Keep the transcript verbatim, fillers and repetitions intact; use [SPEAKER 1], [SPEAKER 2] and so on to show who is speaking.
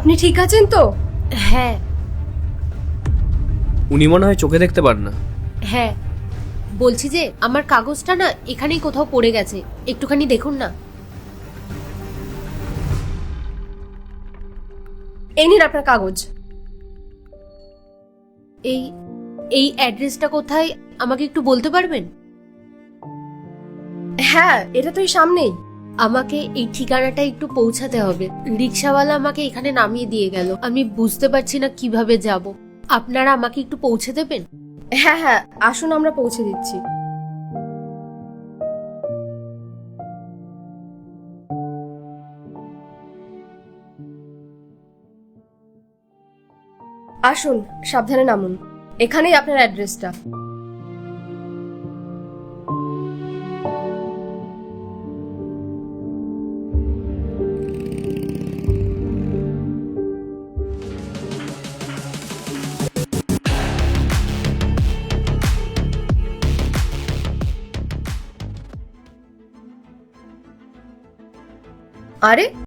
[SPEAKER 1] আপনি ঠিক আছেন তো?
[SPEAKER 2] হ্যাঁ
[SPEAKER 3] উনি মনে হয় চোখে দেখতে পান না।
[SPEAKER 2] হ্যাঁ বলছি যে আমার কাগজটা না এখানেই কোথাও পড়ে গেছে, একটুখানি দেখুন না।
[SPEAKER 1] এই নিন আপনার কাগজ।
[SPEAKER 2] এই এই অ্যাড্রেসটা কোথায় আমাকে একটু বলতে পারবেন?
[SPEAKER 1] হ্যাঁ, এটা তো এই সামনেই।
[SPEAKER 2] আমাকে এই ঠিকানাটা একটু পৌঁছাতে হবে। রিক্সাওয়ালা আমাকে এখানে নামিয়ে দিয়ে গেল, আমি বুঝতে পারছি না কিভাবে যাব। আপনারা আমাকে একটু পৌঁছে দেবেন?
[SPEAKER 1] হ্যাঁ হ্যাঁ, আসুন আমরা পৌঁছে দিচ্ছি। আসুন, সাবধানে নামুন। এখানেই আপনার অ্যাড্রেসটা। আরে